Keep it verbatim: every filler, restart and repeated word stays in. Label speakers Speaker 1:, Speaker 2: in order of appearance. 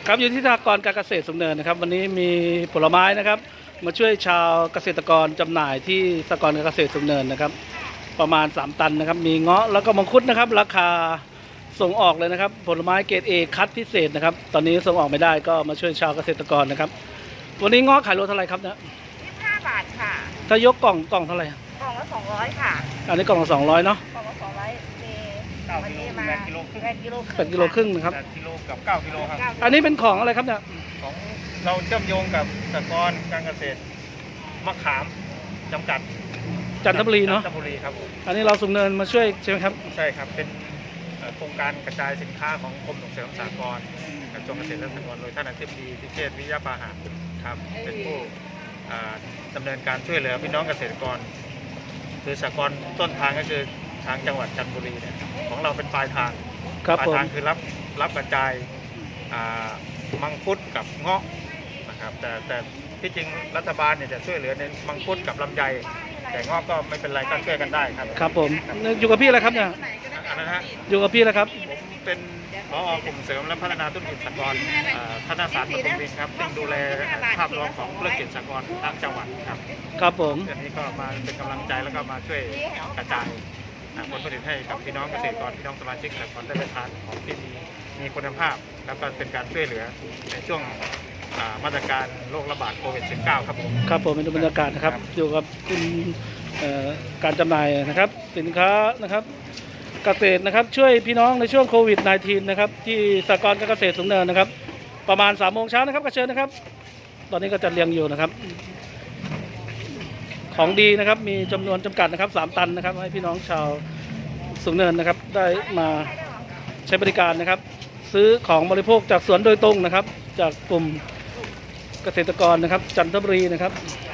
Speaker 1: ครับอยู่ที่สหกรณ์การเกษตรสูงเนินนะครับวันนี้มีผลไม้นะครับมาช่วยชาวเกษตรกรจำหน่ายที่สหกรณ์การเกษตรสูงเนินนะครับประมาณสามตันนะครับมีเงาะแล้วก็มังคุดนะครับราคาส่งออกเลยนะครับผลไม้เกรด เอ คัดพิเศษนะครับตอนนี้ส่งออกไม่ได้ก็มาช่วยชาวเกษตรกรนะครับวันนี้เงาะขายโลเท่าไหร่ครับเนี่ย
Speaker 2: ยี่สิบห้าบาทค่ะ
Speaker 1: ถ้ายกกล่องกล่องเท่าไหร่
Speaker 2: กล่องละสองร้อยค่ะ
Speaker 1: อันนี้กล่องละสองร้อยเนาะ
Speaker 2: กล่องละสองร้อยมีวันนี้มา
Speaker 3: แปดกิโลครึ่ง
Speaker 2: แปดกิโลครึ่ง
Speaker 1: แปดกิโลครึ่งนะครับ
Speaker 3: แปดกิโลกับเก้ากิโลครับ
Speaker 1: อันนี้เป็นของอะไรครับเนี่ย
Speaker 3: ของเราเชื่อมโยงกับสหกรณ์การเกษตรมะขามจำกัด
Speaker 1: จันทบุรีเนาะ
Speaker 3: จันทบุรีครับ
Speaker 1: อันนี้เราสูงเนินมาช่วยใช่ไหมครับ
Speaker 3: ใช่ครับเป็นโครงการกระจายสินค้าของกรมส่งเสริมสหกรณ์กระทรวงเกษตรและสหกรณ์โดยท่านอธิบดีพิเชษฐ์วิยาปาหะครับเป็นผู้ดำเนินการช่วยเหลือพี่น้องเกษตรกรคือสหกรณ์ต้นทางก็คือทางจังหวัดจันทบุรีเนี่ยของเราเป็นปลายทางปลายทางคือรับรับกระจายมังคุดกับเงาะนะครับแต่แต่ที่จริงรัฐบาลเนี่ยจะช่วยเหลือในมังคุดกับลำไยแต่เงาะก็ไม่เป็นไรก็ช่วยกันได้ครับ
Speaker 1: ครับผมอยู่กับพี่อะไรครับเนี่ย
Speaker 3: อันนั้นฮะ
Speaker 1: อยู่กับพี่แล้วครับ
Speaker 3: ผมเป็นผอ.กลุ่มเสริมและพัฒนาธุรกิจสหกรณ์พัฒนาศาสตร์ปทุมวินครับซึ่งดูแลภาพรวมของธุรกิจสหกรณ์ทั้งจังหวัดครับ
Speaker 1: ครับผม
Speaker 3: อันนี้ก็มาเป็นกำลังใจแล้วก็มาช่วยกระจายผลผลิตให้กับพี่น้องเกษตรกรพี่น้องสมาชิกสหกรณ์ได้ไปทานของที่มีมีคุณภาพแล้วก็เป็นการช่วยเหลือในช่วงมาตรการโรคระบาดโควิด สิบเก้า ครับผม
Speaker 1: ครับผมเป็นบรรยากาศนะครับอยู่กับคุณการจำหน่ายนะครับสินค้านะครับเกษตรนะครับช่วยพี่น้องในช่วงโควิด สิบเก้า นะครับที่สหกรณ์การเกษตรสูงเนินนะครับประมาณสามโมงเช้านะครับกระเชิญนะครับตอนนี้ก็จัดเรียงอยู่นะครับของดีนะครับมีจำนวนจำกัดนะครับสามตันนะครับให้พี่น้องชาวสูงเนินนะครับได้มาใช้บริการนะครับซื้อของบริโภคจากสวนโดยตรงนะครับจากกลุ่มเกษตรกรนะครับจันทบุรีนะครับ